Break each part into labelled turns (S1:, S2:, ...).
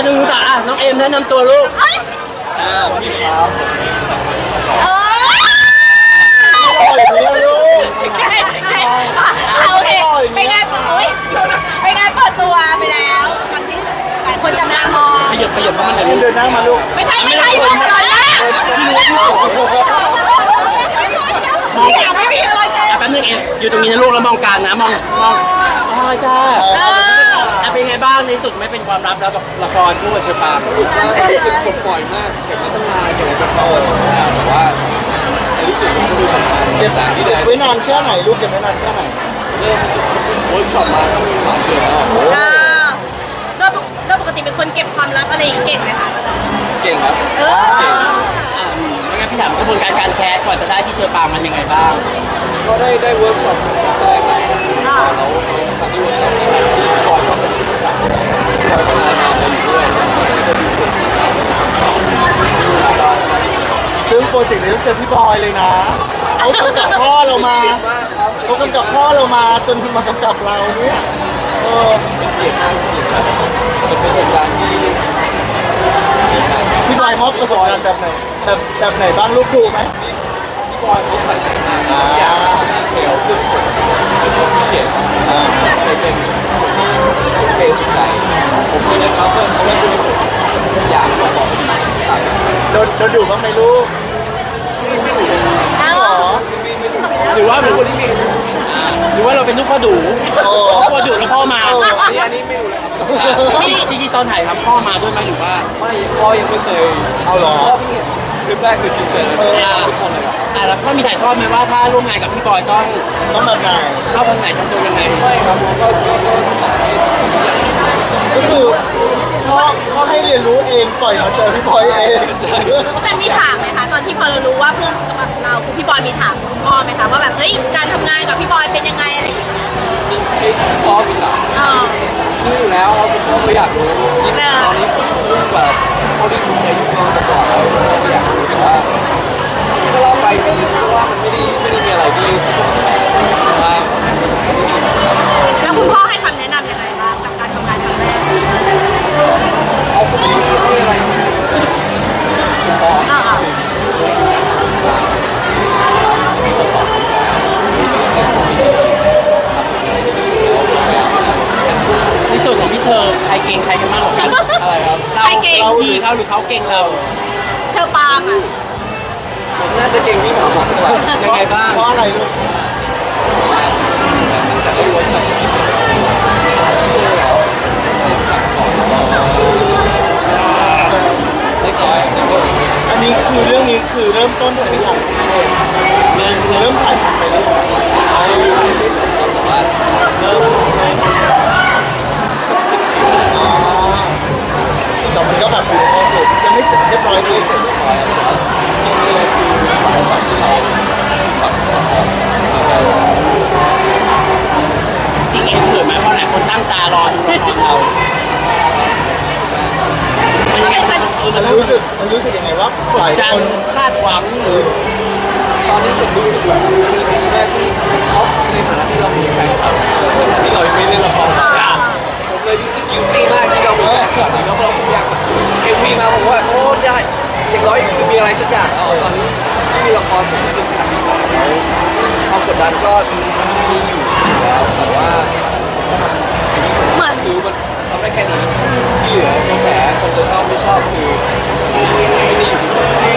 S1: 1 2 3อ่ะน้องเอมแนะนำตัวลูกพี่ครับ
S2: เออ
S3: อร่อยไหมล่ะลูก
S2: โอเคเป็นไงเปิดตัวไปแล้วหลังที่หลายคนจับตามอง
S1: ขยับเข้ามาหน่อย
S3: เดินหน้ามาลูก
S2: ไม่ใช่ลงก่อนนะอยากไม่มีอะไรเลย
S1: แป๊บนึงเอมอยู่ตรงนี้นะลูกแล้วมองกลางนะมองอ๋อจ้าเป็นไงบ้างในสุดไม่เป็นความลับแล้วกับละครคู่กับเชอปาง
S4: รู้สึกปลดปล่อยมากเก็บมาตั้งนานเก็บมาเป็นปีแต่ว่าในที่สุดมันก็ดูทำงานเก็บจากที่ไหน
S3: ไว้นานแค่ไหนลูกเก็บไว้นานแค่ไหน
S4: เริ่มเวิร์กช็อปมาตั้งหลายเดือนแล้ว
S2: โดยปกติเป็นคนเก็บความลับอะไรอย่างเก่งไหมคะ
S4: เก่งครับ
S1: ไม่งั้นพี่ถามกระบวนการการแคสก่อนจะได้พี่เชอปางมันยังไงบ้าง
S4: ก็ได้เวิร์กช็อปแสดงครับเราทำที่เวิร์กช็อปที่คอยก็เป็นผู้กำกับคอยก็ทำงานไปอยู่ด้วย
S3: ซึ่งโปรเจกต์นี้ต้องเจอพี่บอยเลยนะเขากำกับพ่อเรามาเขากำกับพ่อเรามาจนมากำกับเราเนี่ย
S4: เป็นเกียรติมากจริงๆครับเป็นประสบการณ์ที่ดีมาก
S3: พี่บอยมอบประสบการณ์แบบไหนแบบไหนบ้างลูกดูไหม
S4: พี่บอยเขาใส่ใจมากทุกอย่างดีเทลซึ่งผมเป็นคนพิเศษเคยเป็นคนที่ทุ่มเทสุดใจผมเลยนะครับเพื่อนเขาเล่นด้วยผมอยากมาบอกต่าง
S3: โดนดุบ้างไหมลูก
S2: เอ
S3: หร
S2: อ
S3: อ
S1: หรือว่าเป็นคนที่มีหรือว่าเราเป็นลูกพ่อดูพ่อดูแล้วพ่อมา
S4: อันนี้ไม่รู้เลยครับ
S1: จริงๆตอนถ่ายทำพ่อมาด้วยไหมหรือว่า
S4: ไม่พ่อยังไม่เคย
S3: เอาเหรอ
S4: พ่อเพิ่งเห็นคลิปแรกคือทีเซอร์ทุกคนเลยครับ
S1: แล้วพ่อมีถ่ายทอดไหมว่าถ้าร่วมงานกับพี่บอยต้อง
S3: ต้องแบบไหน
S1: เข้าทางไหนทำตัวยังไง
S4: ไม่ครับผมก็สอนให้ทุกอย่าง
S3: ก็คือพ่อให้เรียนรู้เองปล่อยมาเจอพี่บอยเอง
S2: แต่มีถามไหมคะตอนที่พอเรารู้ว่าเพื่อนกับเราคือพี่บอยมีถามพ่อไหมคะว่าแบบเฮ้ยการทำงานกับพี่บอยเป็นยังไงอะไรอย่างเงี้ย
S4: ให้พ่อเป็นหลัก
S2: เออ
S4: รู้อยู่แล้วครับผมก็ไม่อยากรู้ยิ่งตอนนี้ผมรู้แบบเท่าที่ผมเคยยุ่งมาก่อนแล้วผมก็อยากรู้แต่ว่าก็เล่าไปเพราะว่ามันไม่ได้มีอะไรที่ว่า
S2: แล้วคุณพ่อให้คำแนะนำยังไงบ้างกับการทำงานครั้งแรก
S4: เขาไม่ได้ให้อะไรเฉพาะ
S2: เออ
S4: ที่สอน
S1: ในส่วนของพี่เชอร์ใครเก่งใครกันมากกว่ากัน
S4: อะไรครับ
S1: เราพี่เขาหรือเขาเก่งเรา
S2: เชอปางอ่ะ
S4: ผมน่าจะเก่งพี่หมอมากกว่า
S1: ยังไงบ้าง
S3: เพราะอะไรลูก
S4: แต่ก็รู้ว่าชอบที่สุดเชื่อแล้วกลับก่อนไม่ก่อนนะผม
S3: อันนี้คือเรื่องนี้คือเริ่มต้นไปหรือยังเริ่มถ่ายทำไปหรือยัง
S4: แต่ว่าเริ่มสัก10 ปี
S3: อ๋อแต่มันก็แบบอยู่ในโปรเซสยังไม่เสร็จเรียบร้อยเล
S4: ไม่
S3: ย
S4: เสร็จเรียบร้อยแต่ว่าที่เชื่อคือช็อตที่เราช็อตของเรา
S1: จริงเอ็มเขินไหมเพราะหลายคนตั้งตารอดูละครเรามันยังไง
S3: มันรู้สึกยังไงว่าหลาย
S1: ดั
S3: คน น
S1: คาดหวังหรือ
S4: ตอนนี้ผมรู้สึกแบบรู้สึกดีมากที่เขาในฐานะที่เรามีแฟนคลับที่เรายังไม่เล่นละครผมเลยรู้สึกกิลตี้มากที่เรามีแฟนคลับแล้วผมอยากเอ็มวีมาผมว่าโอ้ได้อย่างน้อยคือมีอะไรสักอย่างตอนนี้ที่มีละครผมรู้สึกแฮปปี้มากแล้วความกดดันก็มีอยู่แล้วแต่ว่า
S2: เหมือน
S4: คือมันทำได้แค่นี้ที่เหลือกระแสคนจะชอบไม่ชอบคือไม่ได้อยู่ที่ผม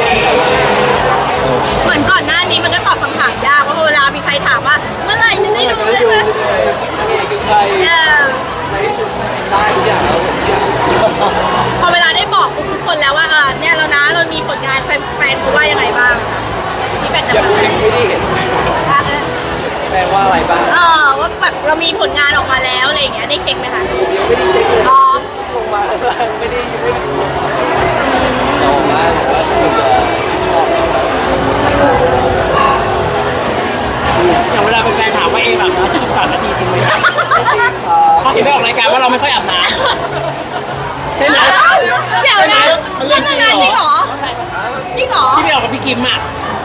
S2: เหมือนก่อนหน้านี้มันก็ตอบคำถามยากเพราะเวลามีใครถามว่าเมื่อไหร่จะได้ดู
S4: จะ
S2: เล
S4: ได้
S2: ย
S4: ดู
S2: ไหม
S4: นางเอกคือใคร
S2: เนี่ย
S4: ในที่สุดได้ทุกอย่างแล้วผมอยาก
S2: พอเวลาได้บอกทุกคนแล้วว่าเนี่ยเรานะเรามีผลงานแฟนๆเขาว่ายังไงบ้างที่แฟนจะ
S4: ยังไม่ได้เห็นแปลว่าอะไรบ้าง
S2: ว่าแบบเรามีผลงานออกมาแล้วอะไรอย่างเงี้ยได้เช็คไหมคะ
S4: ผมยังไม่ได้เช็คเลย
S2: พร้อม
S4: ลงมาไม่ได้ดูโทรศัพท์แต่ว่าผมว่าทุกคนจะชื่นชอบ
S1: อย่างเวลาเป็นแฟนถามว่าเอ็มแบบนะทุก3 นาทีจริงไหมครับเพราะเห็นไม่ออกรายการว่าเราไม่ค่อยอาบน้ำใช่ไหม
S2: เดี๋ยวนะเรื่องงานจริงเหรอจริงเหรอ
S1: ที่ไม่ออกกับพี่กิมอ่ะ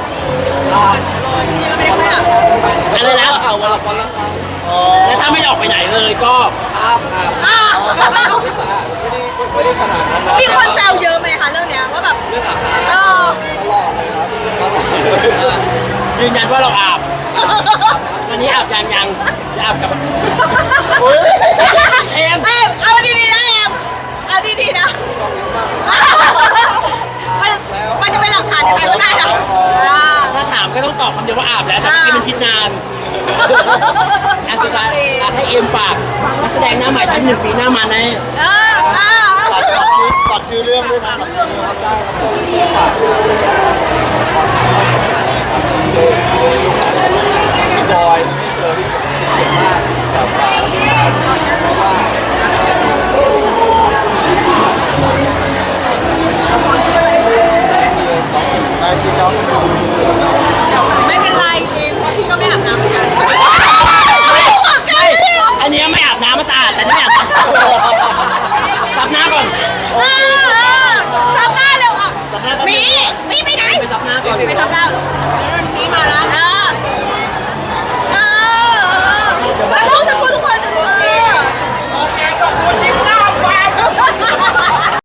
S2: ไม่ได้ไม่อ่ะ
S1: อะไรนะ
S3: เอาวันละอ๋อ
S1: แล้วถ้าไม่ออกไปไหนเลยก็
S4: อาบไม่สะอาดไม่ได้ขนาดนั้น
S1: ยืนยันว่าเราอาบตอนนี้อาบยังจะอาบกับ
S3: โอ้ย
S1: เอม
S2: เอาดีๆนะเอ็มเอาดีๆนะมันจะเป็นหลักฐานยังไงก็ได้นะ
S1: ถ้าถามก็ต้องตอบคำเดียวว่าอาบแล้วแต่เมื่อกี้มันคิดนานอันสุดท้ายให้เอ็มฝากนักแสดงหน้าใหม่ท่าน1 ปีหน้ามาใน
S3: ฝากชื่อเรื่องด้วยนะฝากชื่อเรื่องได้ครับ
S4: พี่บอยพี่เชอร์รี่เก่งมากกับว่า
S3: ได้ชื่อน้อง
S2: ไม่เป็นไรเอ็มเพราะพี่ก็ไม่อาบน้ำเหมือนกัน
S1: อันนี้ไม่อาบน้ำมันสะอาดแต่นี่ไม่อาบน้ำซับหน้าก่อน
S2: ซับหน้าเร็วอ่ะมีไปไหน
S1: ไปซับหน้าก่อน
S2: ไปซับหน้า